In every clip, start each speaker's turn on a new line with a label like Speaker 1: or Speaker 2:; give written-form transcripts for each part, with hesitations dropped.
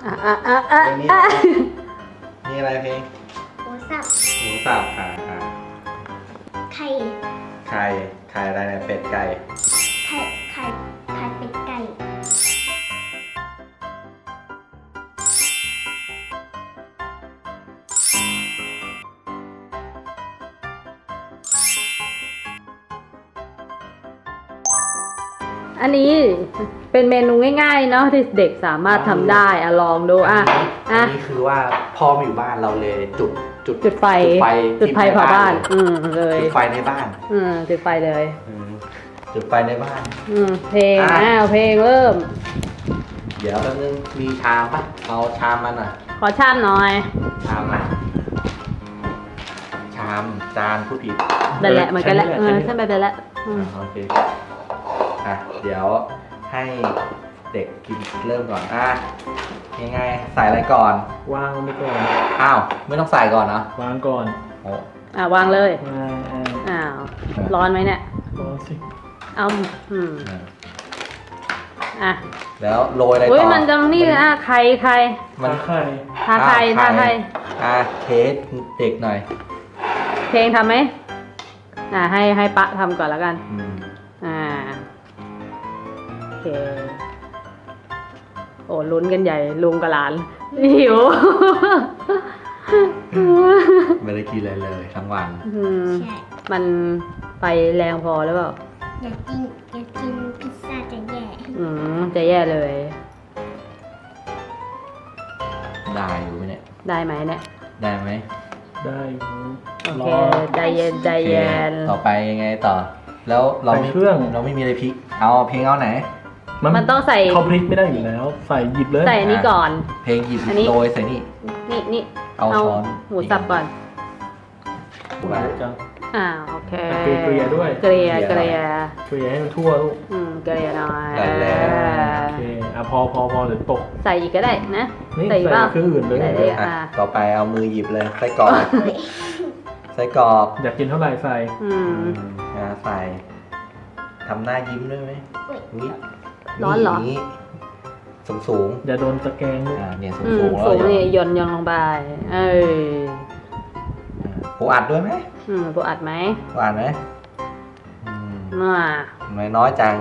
Speaker 1: เพลงนี้มีอะไรเพลง
Speaker 2: หมูสับ
Speaker 1: หมูสับ
Speaker 2: ไข่
Speaker 1: ไข่อะไรเนี่ยเป็ดไก่
Speaker 2: ไข่เป็ดไก่
Speaker 3: อันนี้เป็นเมนูง่ายๆเนาะที่เด็กสามารถทำได้ลองดู
Speaker 1: อันนี้คือว่าพ่อมาอยู่บ้านเราเลยจุดไฟ
Speaker 3: เผาบ้านเลย
Speaker 1: จุดไฟในบ้าน
Speaker 3: จุดไฟเลย
Speaker 1: จุดไฟในบ้าน
Speaker 3: เพลงเพลงเริ่ม
Speaker 1: เดี๋ยวแป๊บนึงมีชามปะเอาชามมาหน่อย
Speaker 3: ขอชามหน่อย
Speaker 1: ชามนะชามจานผู้ผิด
Speaker 3: นั่นแหละเหมือนกันแหละใช่ไหมไปแล้ว
Speaker 1: โอเคเดี๋ยวให้เด็กกินเริ่มก่อนยังไงใส่อะไรก่อน
Speaker 4: วางไปก่อน
Speaker 1: อ้าวไม่ต้องใส่ก่อนเนาะ
Speaker 4: วางก่อน
Speaker 3: วางเลย
Speaker 4: อ้าว
Speaker 3: ร้อนไหมเนี่ย
Speaker 4: ร้อนสิ
Speaker 1: แล้วโรยอะไรต่อ
Speaker 3: มันจะนี่ไข่
Speaker 1: มัน
Speaker 3: ทาไข่
Speaker 1: เทสเด็กหน่อย
Speaker 3: เพลงทำไหมให้ปะทำก่อนแล้วกันโอเคโอ้ลุ้นกันใหญ่ลุงกับหลานหิว
Speaker 1: ไม่ได้กินอะไรเลยทั้งวัน
Speaker 3: มันไปแรงพอหรือเปล่า
Speaker 2: อยากกินพิซซ่าจะแย่
Speaker 3: จะแย่เลย
Speaker 1: ได้อยู่เนี่ย
Speaker 3: ได้ไหมเนี่ย
Speaker 1: ได้ไหม
Speaker 4: ได้
Speaker 3: โอเคใจเย็น
Speaker 1: ต่อไปยังไงต่อแล้วเราไม่มีอะไรพริกเอาเพลงเอาไหน
Speaker 3: มันต้องใส่
Speaker 4: เขาพริกไม่ได้อยู่แล้วใส่หยิบเลย
Speaker 3: ใส่อันนี้ก่อน
Speaker 1: เพลงหยิบโรยใส่
Speaker 3: นี่
Speaker 1: เอาช้อน
Speaker 3: หมูสับก่อน
Speaker 4: จัง
Speaker 3: โอเค
Speaker 4: เกลี่ยด้วย
Speaker 3: เกลี่ย
Speaker 4: ให้มันทั่วลูก
Speaker 3: เกลี่ยหน่อย
Speaker 1: ได้แล้ว
Speaker 4: โอเคพอเดี๋ยวตก
Speaker 3: ใส่อีกก็ได้นะ
Speaker 4: ใส่เครื่องอื่นเลย
Speaker 1: ต่อไปเอามือหยิบเลยใส่กรอก
Speaker 4: อยากกินเท่าไหร่ใส่
Speaker 1: ใส่ทำหน้ายิ้มด้วยไหม
Speaker 3: ร้อนเหรอ
Speaker 1: สูง
Speaker 4: อย่าโดนตะแกรง
Speaker 1: เนี่ยสูง
Speaker 3: นี่ย่นลงไป
Speaker 1: ปูอัดด้วยไหม
Speaker 3: ปูอัดไหม
Speaker 1: น้อยจัง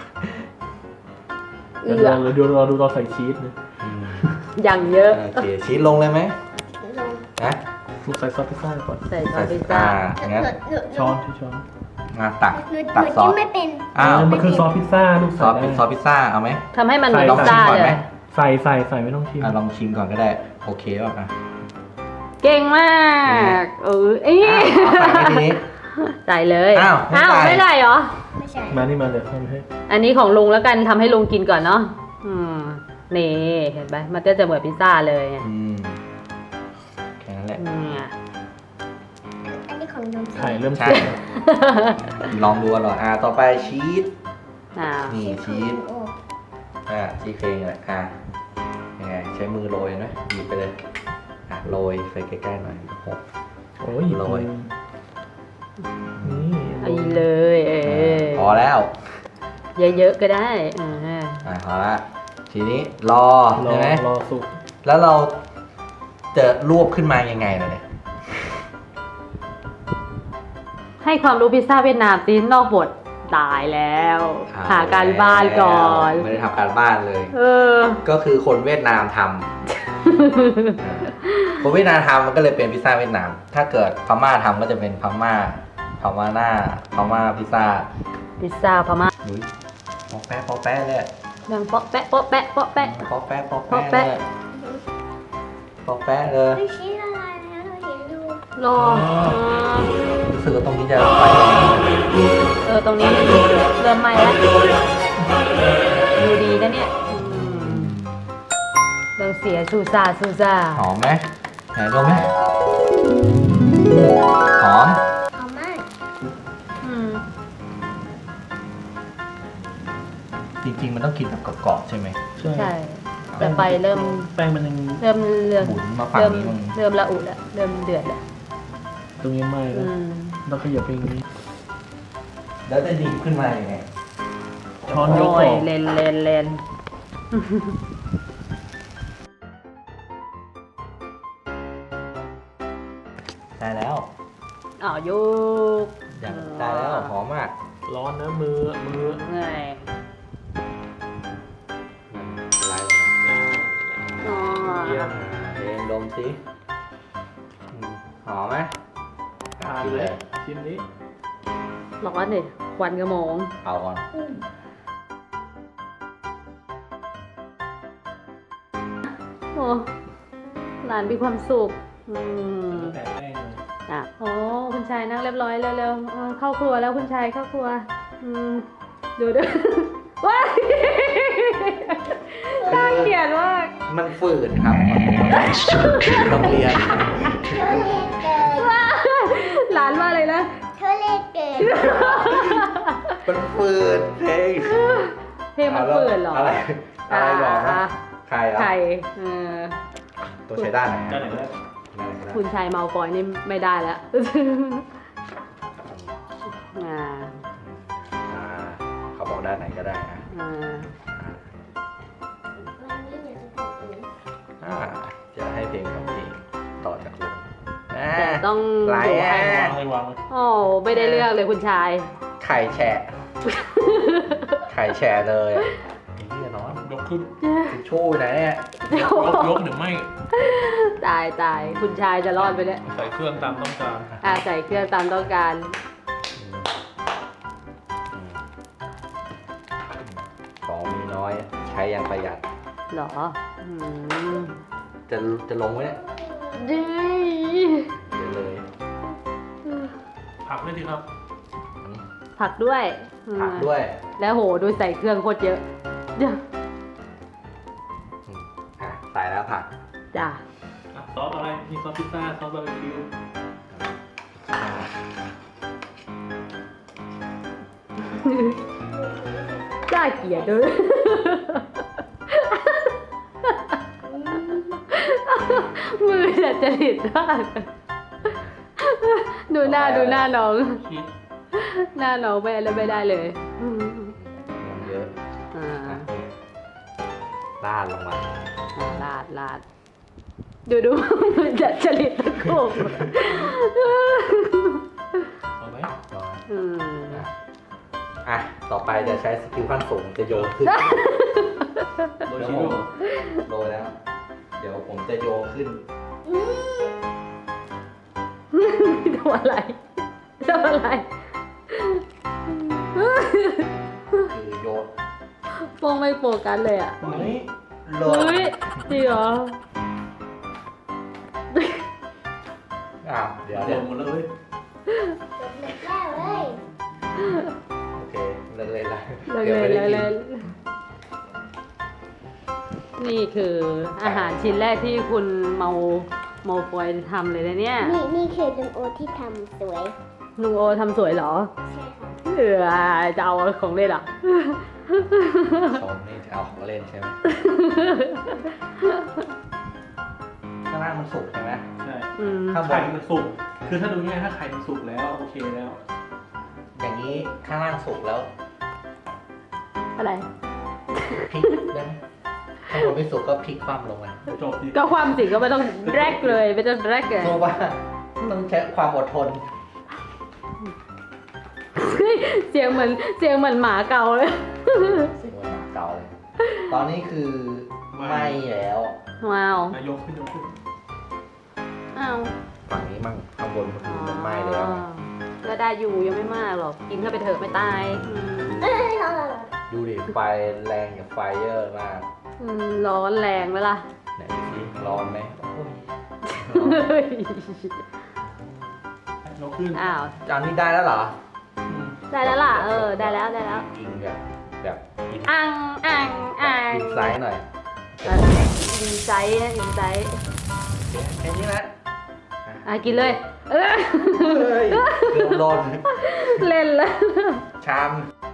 Speaker 4: เดี๋ยวเราดูตอนใส่ชีสนะ
Speaker 3: อย่างเยอะ
Speaker 1: โอเคชีสลงเลยไหม
Speaker 4: ใส่ซอสพิซซ่าก่อน
Speaker 3: ใส่ซอสพิซซ่า
Speaker 1: งั้น
Speaker 4: ช้อน
Speaker 1: ตักซอส
Speaker 2: ไม่เป็น
Speaker 4: มันคือซอสพิซซ่าลูก
Speaker 1: ซอสพิซซ่าเอาไหม
Speaker 3: ทำให้มันพิซซ่าเลย
Speaker 4: ใส่ไม่ต้องชิม
Speaker 1: ลองชิมก่อนก็ได้โอเคป่ะ
Speaker 3: เก่งมากใส่เลยไม่ได้เหรอ
Speaker 2: ไม่ใช่
Speaker 4: มานี่มาเลยทำให้
Speaker 3: อันนี้ของลุงแล้วกันทำให้ลุงกินก่อนเนาะนี่เห็นไหมมันจะเหมือนพิซซ่าเลย
Speaker 1: แค่นั้นแหละ
Speaker 2: อันนี้ของลุง
Speaker 4: ไข่เริ่ม
Speaker 1: ลองดูอร่อยต่อไปชีสนี่ชีสเพลงเลยยังไงใช้มือโรยไหมหยิบไปเลยโรยใส่ใกล้ๆหน่อย
Speaker 4: โอ้ย
Speaker 1: โรย
Speaker 3: นี่เลย
Speaker 1: พอแล้ว
Speaker 3: เยอะๆก็ได้
Speaker 1: พอละทีนี้รอใช่ไหม
Speaker 4: รอสุก
Speaker 1: แล้วเราจะรวบขึ้นมายังไงล่ะเนี่ย
Speaker 3: ให้ความรู้พิซซ่าเวียดนามซีนอกบทตายแล้วหาการบ้านก่อน
Speaker 1: ไม่ได้ทำการบ้านเลยก็คือคนเวียดนามทำคนเวียดนามทำมันก็เลยเป็นพิซซ่าเวียดนามถ้าเกิดพม่าทำก็จะเป็นพม่าพิซซ่า
Speaker 3: พม่า
Speaker 1: ปอกแป๊ะเลย
Speaker 3: ดังปอกแป๊ะ
Speaker 1: เลย
Speaker 2: ไม่ชี้ละลายแล้วเราเห็นดู
Speaker 3: รอ
Speaker 1: รู้สึกว่าตรงนี้จะไฟ
Speaker 3: ตรงนี้เริ่มไหม้แล้วดูดีนะเนี่ยเราเสียซูซ่า
Speaker 1: หอมไหมไหนดูไหมหอม
Speaker 2: มาก
Speaker 1: จริงๆมันต้องกินแบบกรอบๆใช่ไหม
Speaker 3: ใช่แต่ไฟเริ่ม
Speaker 4: แป้งมันยัง
Speaker 3: เริ่ม
Speaker 1: หมุนมาฝั่งนี้มัน
Speaker 3: เริ่มละอุแล้วเริ่มเดือดแล้ว
Speaker 4: ตรงนี้ไหม้แล้วต้องขยับไปอย่างนี้
Speaker 1: แล้วจะดีขึ้นมาอย่างไง
Speaker 4: ช้อนยก
Speaker 3: เลนโยก
Speaker 1: อย่างได้แล้วหอมมาก
Speaker 4: ร้อนนะมือ
Speaker 3: เหนื่อย
Speaker 1: มันละลายลงมา
Speaker 3: อ๋อ
Speaker 4: เยี่ยม
Speaker 1: เองดมสิหอมไหม
Speaker 4: ทาน
Speaker 1: กิน
Speaker 4: เล
Speaker 1: เลย ย
Speaker 4: ชิมนี้
Speaker 3: ร้อนดิควันกระโมง
Speaker 1: เอาก่อน
Speaker 3: โอ้หลานมีความสุข
Speaker 4: แต่แป้งเลย
Speaker 3: อ่ะโอ้คุณชายนั่งเรียบร้อยเร็วๆเข้าครัวแล้วคุณชายเข้าครัวดูดู ว้ายน่าเกลียดมาก
Speaker 1: มันฝืนครับโรงเรียน
Speaker 2: เธอเล่นเกิน
Speaker 3: หลานว่าเลยนะ
Speaker 2: เธอเล่นเกิน
Speaker 1: มันฝืนเพลง
Speaker 3: เพลงมันเปิดเหรอ
Speaker 1: อะไรอะไรบอกนะ
Speaker 3: อ่ะ
Speaker 1: ใครอ่ะ
Speaker 3: ไข่อ
Speaker 1: ตัวใช้ด้านไหน
Speaker 4: ด้านไหนก็ได้
Speaker 1: ด้านไหนก็ได้
Speaker 3: คุณชายเมาฟอยนี่ไม่ได้แล้วอ่า
Speaker 1: อ่าเขาบอกด้านไหนก็ได้นะ
Speaker 3: อ่า
Speaker 2: วันนี้เดี๋ยวจะบอกเอง
Speaker 1: จะให้เพลงของเพลงต่อจากลุง
Speaker 3: แต่ต้อง
Speaker 1: ไหล
Speaker 3: ดู
Speaker 1: อ่ะ
Speaker 3: ให้
Speaker 4: วางเลยวางเลย
Speaker 3: โอ้ไม่ได้เลือกเลยคุณชาย
Speaker 1: ไข่แฉะ ไข่แฉะเลยนี่น้อง
Speaker 4: ยกขึ้น
Speaker 1: ทิชชู่ไหนเนี่ย
Speaker 4: ยกหรือไม่
Speaker 3: ตายคุณชายจะรอดไปเนี่ย
Speaker 4: ใส่เครื่องตามต้องการ
Speaker 3: ใส่เครื่องตามต้องการ
Speaker 1: ของมีน้อยใช้อย่างประหยัด
Speaker 3: เหรอม
Speaker 1: จะลงไหมเนี่ย
Speaker 3: ดี
Speaker 1: เดี๋ยวเลย
Speaker 4: ผักด้วยสิครับ
Speaker 3: ผักด้วย
Speaker 1: ผักด้วย
Speaker 3: แล้วโหดูใส่เครื่องโคตรเยอะเดี๋ยว
Speaker 1: ใส่แล้วผัก
Speaker 3: จ้ะ
Speaker 4: ซอสอะไร มีซอสพิซซ่า ซอสบาร์บีคิว
Speaker 3: น่าเกลียดด้วยมือจะจริตมากดูหน้าน้อง
Speaker 4: ชีส
Speaker 3: หน้าน้องไปแล้วไม่ได้เลย
Speaker 1: มันเยอะ
Speaker 3: อ่า
Speaker 1: ราดลงมา
Speaker 3: ลาดดูมือจะจริตตะโกบ
Speaker 4: เอาไหม
Speaker 3: อืม
Speaker 1: อ่ะ ต่อไปจะใช้สกิลขั้นสูงจะโยนขึ้น
Speaker 4: โรย
Speaker 1: เดี๋ยว
Speaker 4: ชี
Speaker 1: ผ
Speaker 4: ส
Speaker 1: มโรยแล้ว เดี๋ยวผมจะโยนขึ้น
Speaker 3: ทำอะไร
Speaker 1: คือโยน
Speaker 3: โป้งไม่โฟกัสเลยอ่ะ
Speaker 1: นี่โร
Speaker 3: เฮ้
Speaker 1: ย
Speaker 3: ยจริงเหรอ
Speaker 1: เดี๋ยว
Speaker 4: โร
Speaker 1: เดี๋ย
Speaker 4: ยว หมดแล้วเว้ย
Speaker 2: จบแล้วเลย
Speaker 1: โอเคเลิกเลยละ
Speaker 3: เลย
Speaker 1: ดี๋วไม่ได้กิน
Speaker 3: นี่คืออาหารชิ้นแรกที่คุณเมาฟอยทำเลยนะเนี่ย
Speaker 2: นี่คือลุงโอที่ทำสวย
Speaker 3: ลุงโอทำสวยเหรอ
Speaker 2: ใช่ค่ะ
Speaker 3: จะเอาของเล่นเหรอ
Speaker 1: ชมนี่จะเอาของเล่นใช่ไหมข้างล่างมันสุกใช่ไหม
Speaker 4: ใช่
Speaker 3: อืม
Speaker 1: ข้างบ
Speaker 4: ไข่
Speaker 1: น
Speaker 4: มันสุก คือถ้าดูง่ายถ้าไข่มันสุกแล้วโอเคแล้ว
Speaker 1: อย่างนี้ข้างล่างสุกแล้ว
Speaker 3: อะไร
Speaker 1: พลิกได้ไหมข้างบนไม่สุกก็พลิกคว่ำลงมา
Speaker 4: จบดิ
Speaker 3: ก็ความจริงก็ไม่ต้องแรกเลยไม่ต้องแรกเลย
Speaker 1: เพราะว่าต้องใช้ความอดทน
Speaker 3: เสียงเหมือนหมาเกาเลย
Speaker 1: เสียงมันหมาเก่าเลย ตอนนี้คือไหม้แล้ว
Speaker 3: ว้าว
Speaker 4: ยกขึ้น
Speaker 3: อ้าว
Speaker 1: ฝั่งนี้มั่งข้างบนมันคือมันไหม้แล้ว
Speaker 3: ก็ได้อยู่ยังไม่มากหรอก กินเข้าไปเถอะไม่ตายอืม
Speaker 2: เอ้ยรอ
Speaker 1: ดูดิไฟแรงกับไฟเยอะมาก
Speaker 3: ร้อนแรงไหมล่ะ
Speaker 1: ไหนสิร้อนไหมโอ้ย
Speaker 4: ยกขึ้น
Speaker 3: อ้าว
Speaker 1: จานนี้ได้แล้วเหรอ
Speaker 3: ได้แล้วล่ะ ได้แล้ว
Speaker 1: กินแบบกิน
Speaker 3: อัง
Speaker 1: กินไซส์หน่อย
Speaker 3: อินใจนะอินใจ
Speaker 1: แค่นี้นะ
Speaker 3: กินเลย
Speaker 1: เฮ้ยเกือบหล่น
Speaker 3: เล่นแล้ว
Speaker 1: ชาม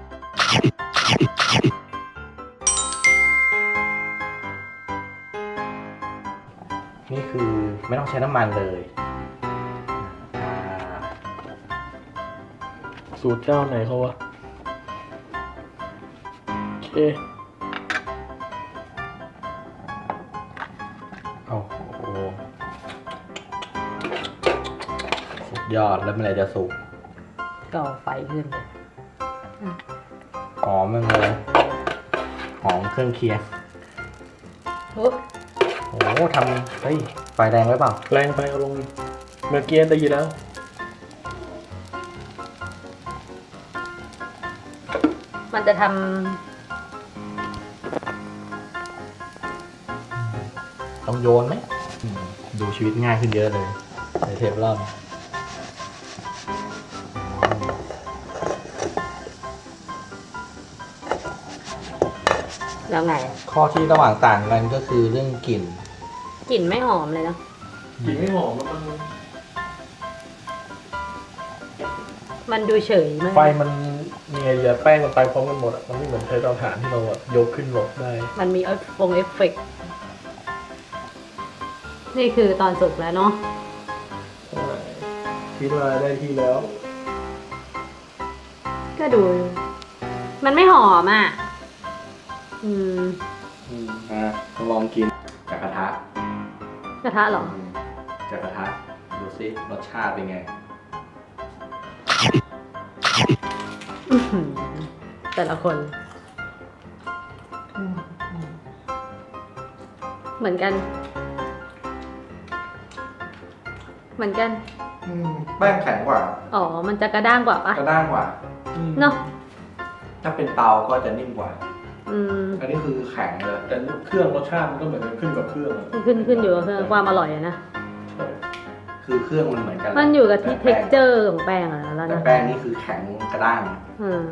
Speaker 1: นี่คือไม่ต้องใช้น้ำมันเลยอ่า
Speaker 4: สูตรเจ้าไหนเขาวะ โอเค
Speaker 1: โอ้โหสุดยอดแล้วเมื่อไหร่จะสุก
Speaker 3: ก่อไฟขึ้นเลย
Speaker 1: หอมมากเลยหอมเครื่องเคียง โอ้โหทำเฮ้ยไฟแรงไว้เปล่า
Speaker 4: แรงไปเอาลงเมื่อกี้ได้ยินแล้ว
Speaker 3: มันจะท
Speaker 1: ต้องโยนไหมดูชีวิตง่ายขึ้นเยอะเลยใส่เทฟลอน
Speaker 3: ำแล้วไง
Speaker 1: ข้อที่ระหว่างต่างกันก็คือเรื่องกลิ่น
Speaker 3: กลิ่นไม่หอมเลยเนอะ
Speaker 4: กลิ่นไม่หอมแล้วมัน
Speaker 3: มันดูเฉยมาก
Speaker 4: ไฟมันมีไงแป้งมันไปพร้อมกันหมดอ่ะมันไม่เหมือนใช้เตาถ่านที่เราอะยกขึ้นลงได้
Speaker 3: มันมีเอฟเฟกต์นี่คือตอนสุกแล้วเนาะ
Speaker 4: คิดว่าได้ที่แล้ว
Speaker 3: ก็ดู มันไม่หอมอ่ะ
Speaker 1: ต้องลองกินจากกระทะ
Speaker 3: กระทะเหรอ
Speaker 1: จากกระทะดูซิรสชาติเป็นไง
Speaker 3: อื้อหือแต่ละคน เหมือนกัน เหมือนกัน
Speaker 1: แป้งแข็งกว่า
Speaker 3: อ๋อ มันจะกระด้างกว่าปะ
Speaker 1: กระด้างกว่า
Speaker 3: เนาะ
Speaker 1: ถ้าเป็นเตาก็จะนิ่มกว่า
Speaker 3: อืม
Speaker 1: อันนี้คือแข็งเลย
Speaker 4: แต่เครื่องรสชาติมันก็เหมือนกันขึ้นกับเครื่องอะ
Speaker 3: ขึ้นอยู่กับความอร่อยอะนะ
Speaker 4: ใช่
Speaker 1: คือเครื่องมันเหมือนกัน
Speaker 3: มันอยู่กับที่
Speaker 1: แต่แป้ง
Speaker 3: texture ของแป้งอะแล้ว
Speaker 1: แต่
Speaker 3: นะ
Speaker 1: แป้งนี่คือแข็งกระด้าง
Speaker 3: อืม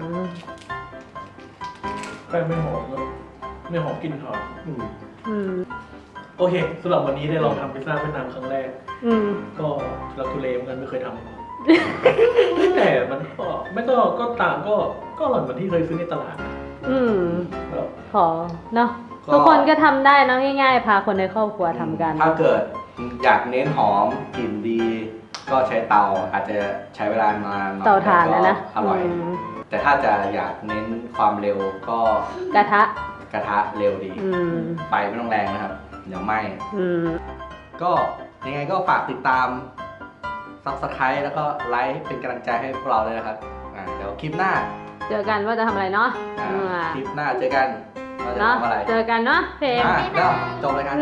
Speaker 4: แป้งไม่หอมแล้วไม่หอมกลิ่นหอม
Speaker 3: อืม
Speaker 4: โอเคสำหรับวันนี้ได้ลองทำพิซซ่าเวียดนามครั้งแรก
Speaker 3: อืม
Speaker 4: ก็เราทุเลเหมือนกันไม่เคยทำ แต่มันก็ไม่ก็ต่างก็อร่อยเหมือนที่เคยซื้อในตลาด
Speaker 3: อืม
Speaker 4: แล้ว
Speaker 3: ขอเนาะทุกคนก็ทำได้นะง่ายๆ พาคนในครอบครัวทำกัน
Speaker 1: ถ้าเกิดอยากเน้นหอมกลิ่นดี ก็ใช้เตาอาจจะใช้เวลานานหน่อย
Speaker 3: เตาถ่านนะนะ
Speaker 1: แต่ก็อร่อย
Speaker 3: ม
Speaker 1: แต่ถ้าจะอยากเน้นความเร็วก็
Speaker 3: กระทะ
Speaker 1: กระทะเร็วดี
Speaker 3: อืม
Speaker 1: ไฟไม่ต้องแรงนะครับ เดี๋ยวไหม้
Speaker 3: อืม
Speaker 1: ก็ยังไงก็ฝากติดตาม Subscribe แล้วก็ไลค์เป็นกำลังใจให้พวกเราเลยนะครับเดี๋ยวคลิปหน้า
Speaker 3: เจอกันว่าจะทำอะไรเนาะ
Speaker 1: คลิปหน้าเจอกันว่าจะ
Speaker 3: เนาะ
Speaker 1: ทำอะไร
Speaker 3: เจอกันเนาะเพลง
Speaker 1: แล้วจบเลยกัน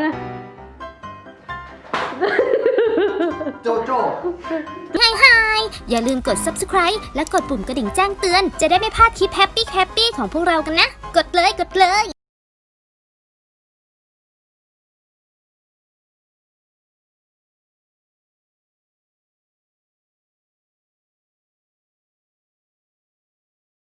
Speaker 1: โจโจ้
Speaker 5: อย่าลืมกด subscribe และกดปุ่มกระดิ่งแจ้งเตือน จะได้ไม่พลาดคลิปแฮปปี้ของพวกเรากันนะ กดเลย